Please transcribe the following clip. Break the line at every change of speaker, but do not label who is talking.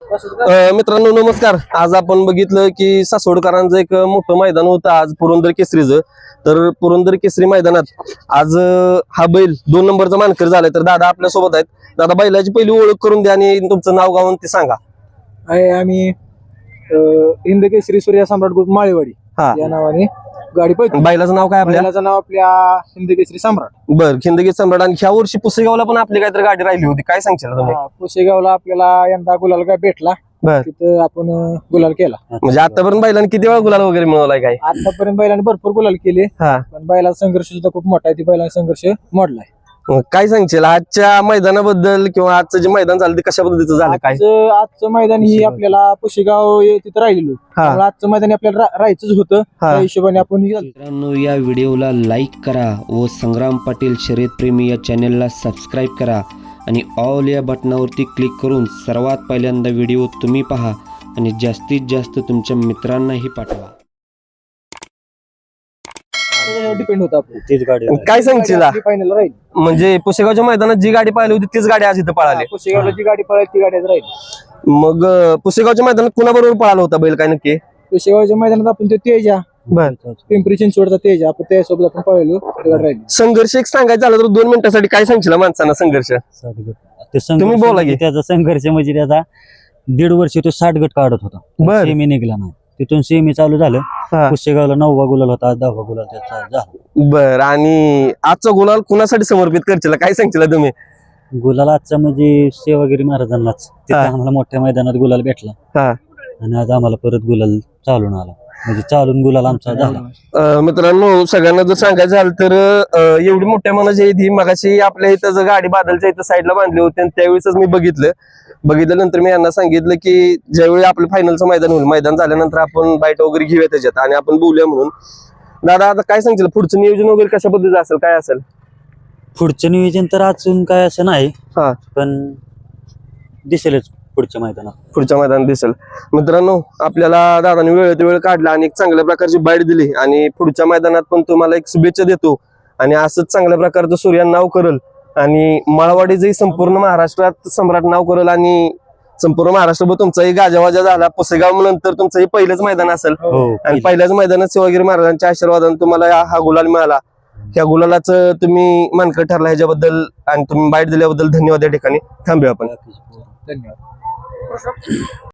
मित्रांनो नमस्कार. आज आपण बघितलं की सासवडकरांचं एक मोठं मैदान होतं आज पुरंदर केसरीचं. तर पुरंदर केसरी मैदानात आज हा बैल 2 नंबरचा मानकर झालाय. तर दादा आपल्या सोबत आहेत. दादा बैलाची पहिली ओळख करून द्या आणि तुमचं नाव गाव ते सांगा.
आम्ही हिंद केसरी सूर्या सम्राट ग्रुप माळेवाडी
हा
या नावाने गाडी पळतो.
बैलाचं नाव काय आपल्या?
बैलाचं नाव आपल्या हिंद केसरी सम्राट.
बर खिंदगी सम्राट. आणि ह्या वर्षी पुसेगावला पण आपली काहीतरी गाडी राहिली होती, काय सांगशील तुम्ही?
पुसेगावला आपल्याला यंदा गुलाल काय भेटला,
बर
तिथं आपण गुलाल केला.
म्हणजे आतापर्यंत बैलांनी किती वेळा गुलाल वगैरे मिळवलाय काय?
आतापर्यंत बैलाने भरपूर गुलाल केले,
हा
पण बैलाचा संघर्ष सुद्धा खूप मोठा आहे. ती बैलाचा संघर्ष मोडलाय.
काय सांगशील आजच्या मैदानाबद्दल किंवा आजचं जे मैदान झालं ते कशा पद्धतीचं झालं काय?
आजचं मैदान ही आपल्याला पुसेगाव तिथं राहिलेलो, त्यामुळे आजचं मैदान आपल्याला राहायचंच होतं. त्या हिशोबाने आपण
मित्रांनो या व्हिडिओला लाईक करा व संग्राम पाटील शर्यतप्रेमी या चॅनलला सबस्क्राईब करा आणि ऑल या बटनावरती क्लिक करून सर्वात पहिल्यांदा व्हिडिओ तुम्ही पहा आणि जास्तीत जास्त तुमच्या मित्रांनाही पाठवा.
डिपेंड होतं आपण
तीच गाडी
काय सांगशील
फायनल राहील.
म्हणजे पुसेगावच्या मैदानात जी गाडी पाहिली होती तीच गाडी आज इथं पळाली.
पुसेगावला जी गाडी पळाली ती गाडीच राहील.
मग पुसेगावच्या मैदानात कुणाबरोबर पळाला होता बैल काय नक्की?
पुसेगावच्या मैदानात आपण ते तेजा
बर
पिंपरी चिंचवडचा तेजा आपण त्यासोबत आपण पळलो, ती गाडी राहिली.
संघर्ष एक सांगायचं झालं तर 2 मिनिटासाठी काय सांगशील माणसांना संघर्ष? तुम्ही बोला की.
त्याचा संघर्ष म्हणजे त्याचा 1.5 वर्ष तो 60 गट काढत होता.
बर.
सेमी निघला नाही, तिथून सेमी चालू झालं.
हा.
पुसेगावला 9वा गुलाल होता, 10वा गुलाल त्याचा झाला.
बर. आणि आजचा गुलाल कुणासाठी समर्पित करशील, काय सांगशील तुम्ही?
गुलाल आजचा म्हणजे सेवागिरी महाराजांनाच, तिथे
हा.
आम्हाला मोठ्या मैदानात गुलाल भेटला
हा.
आणि आज आम्हाला परत गुलाल चालून आला, म्हणजे चालून गुलाल आमचा झाला.
मित्रांनो सगळ्यांना जर सांगायचं झालं तर एवढी मोठ्या मनाची ही मगाशी आपल्या इथं जर गाडी बादलच्या इथं साईडला बांधली होती आणि त्यावेळेस मी बघितल्यानंतर मी यांना सांगितलं की ज्यावेळी आपलं फायनलचं मैदान होईल, मैदान झाल्यानंतर आपण बाईट वगैरे घेऊया त्याच्यात आणि आपण बोलूया म्हणून. दादा आता काय सांगशील पुढचं नियोजन वगैरे कशा पद्धतीचं असेल, काय असेल
पुढचं नियोजन तर अजून काय असं नाही,
हा
पण दिसेलच पुढच्या मैदानात.
पुढच्या मैदानात दिसेल. मित्रांनो आपल्याला दादाने वेळेत वेळ काढला आणि एक चांगल्या प्रकारची बाईट दिली आणि पुढच्या मैदानात पण तुम्हाला एक शुभेच्छा देतो आणि असंच चांगल्या प्रकारचं सूर्या नाव करल आणि माळवाडीचंही संपूर्ण महाराष्ट्रात सम्राट नाव करल आणि संपूर्ण महाराष्ट्रभर तुमचाही गाजावाजा झाला. पुसेगाव नंतर तुमचं हे पहिलंच मैदान असेल आणि पहिल्याच मैदानात शिवागिरी महाराजांच्या आशीर्वादाने तुम्हाला हा गुलाल मिळाला. ह्या गुलालाचं तुम्ही मानकर ठरला ह्याच्याबद्दल आणि तुम्ही बाईट दिल्याबद्दल धन्यवाद. या ठिकाणी थांबूया आपण.
धन्यवाद.